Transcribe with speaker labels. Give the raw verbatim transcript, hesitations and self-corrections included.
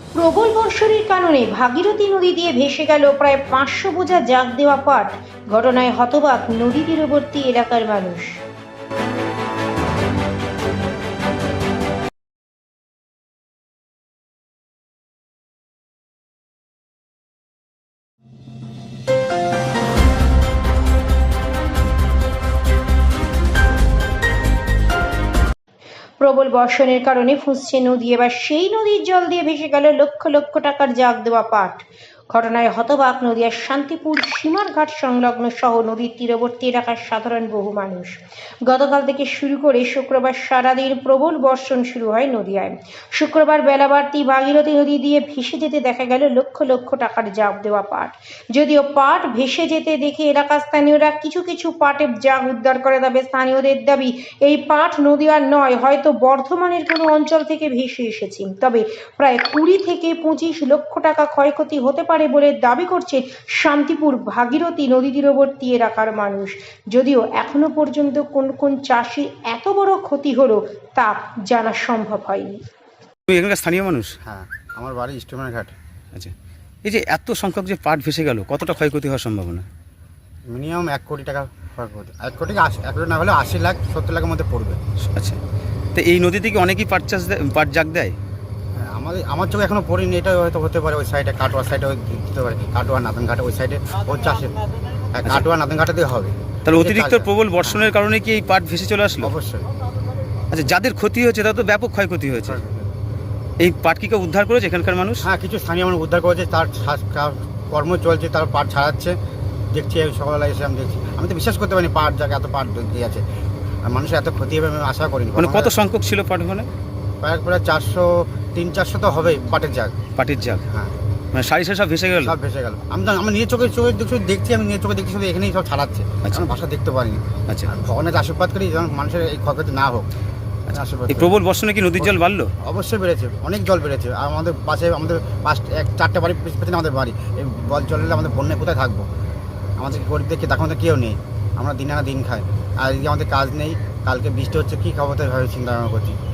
Speaker 1: প্রবল বর্ষণের কারণে ভাগীরথী নদী দিয়ে ভেসে গেল প্রায় পাঁচশো বোঝা জাগ দেওয়া পাট। ঘটনায় হতবাক নদী তীরবর্তী এলাকার মানুষ। প্রবল বর্ষণের কারণে ফুঁসছে নদী, এবার সেই নদীর জল দিয়ে ভেসে গেল লক্ষ লক্ষ টাকার জাগ দেওয়া পাট। ঘটনায় হতবাক নদিয়ার শান্তিপুর সীমার ঘাট সংলগ্ন সহ নদীর তীরবর্তী এলাকার সাধারণ বহু মানুষ। গতকাল থেকে শুরু করে শুক্রবার সারাদিন প্রবল বর্ষণ শুরু হয় নদিয়ায়। শুক্রবার বেলা বাড়তি ভাগীরথী নদী দিয়ে ভেসে যেতে দেখা গেল লক্ষ লক্ষ টাকার জাগ দেওয়া পাট। যদিও পাট ভেসে যেতে দেখে এলাকার স্থানীয়রা কিছু কিছু পাটের জাগ উদ্ধার করে, তবে স্থানীয়দের দাবি এই পাট নদিয়ার নয়, হয়তো বর্ধমানের কোনো অঞ্চল থেকে ভেসে এসেছে। তবে প্রায় কুড়ি থেকে পঁচিশ লক্ষ টাকা ক্ষয়ক্ষতি হতে পারে বলে দাবি করছে শান্তিপুর ভাগীরথী নদী তীরবর্তী এলাকার মানুষ। যদিও এখনো পর্যন্ত কোন কোন চাষি এত বড় ক্ষতি হলো তা জানা সম্ভব হয়নি।
Speaker 2: তুমি এখানকার স্থানীয় মানুষ?
Speaker 3: হ্যাঁ, আমার বাড়ি স্টেশনের ঘাট।
Speaker 2: আচ্ছা, এই যে এত সংখ্যক যে পাট ভেসে গেল, কতটা ক্ষয়ক্ষতি হওয়ার সম্ভাবনা?
Speaker 3: মিনিমাম এক কোটি টাকা ক্ষয়ক্ষতি। এক কোটি আশি এক কোটি না হলে আশি লাখ সত্তর লাখের মধ্যে পড়বে।
Speaker 2: আচ্ছা, তো এই নদী থেকে অনেকেই পাট চাষ দেয়, পাট জাগ দেয়।
Speaker 3: হ্যাঁ, আমাদের আমার চোখে এখনো পড়িনি, এটা হয়তো হতে পারে ওই সাইডে কাটোয়া সাইডে দিতে পারে, কাটোয়া নাতন ঘাটে ওই সাইডে ও চাষে। হ্যাঁ, কাটোয়া নাতন ঘাটে দিয়ে হবে।
Speaker 2: তাহলে অতিরিক্ত প্রবল বর্ষণের কারণে কি এই পাট ভেসে চলে আসলো?
Speaker 3: অবশ্যই।
Speaker 2: আচ্ছা, যাদের ক্ষতি হয়েছে তাদের তো ব্যাপক ক্ষয়ক্ষতি হয়েছে। এই পাট কি কেউ উদ্ধার করেছে এখানকার মানুষ?
Speaker 3: হ্যাঁ, কিছু স্থানীয় মানুষ উদ্ধার করেছে, তার কর্ম চলছে, তার পাট ছাড়াচ্ছে। দেখছি সকালবেলা এসে আমি দেখছি, আমি তো বিশ্বাস করতে পারিনি পাট জায়গায় এত পাট দিয়ে আছে, আর মানুষের এত ক্ষতি হবে আমি আশা করিনি।
Speaker 2: মানে কত সংখ্যক ছিল পাট ওখানে?
Speaker 3: প্রায় প্রায় চারশো তিন চারশো তো হবেই পাটের জাগ।
Speaker 2: পাটের জাগ?
Speaker 3: হ্যাঁ,
Speaker 2: মানে সারি সারি সব ভেসে গেল?
Speaker 3: সব ভেসে গেল। আমি তো আমার নিজের চোখে চোখে দেখছি, আমি নিজের চোখে দেখছি শুধু এখানেই সব ছাড়াচ্ছে।
Speaker 2: আচ্ছা,
Speaker 3: আমি ভাষা দেখতে পারিনি।
Speaker 2: আচ্ছা,
Speaker 3: ভগবানের আশীর্বাদ করি যেন মানুষের এই ক্ষয়ক্ষতি না হোক। আশীর্বাদ
Speaker 2: এই প্রবল বর্ষণে কি নদীর জল বাড়লো?
Speaker 3: অবশ্যই বেড়েছে, অনেক জল বেড়েছে। আর আমাদের পাশে আমাদের পাঁচ এক চারটে বাড়ি পেছনে আমাদের বাড়ি। এই জল চললে আমাদের বন্যায় কোথায় থাকবো? আমাদের গরিবদেরকে দেখো আমাদের কেউ নেই, আমরা দিন আনা দিন খাই। আর আমাদের কাজ নেই, কালকে বৃষ্টি হচ্ছে, কী খাবো তাই ভাবে চিন্তা ভাবনা করছি।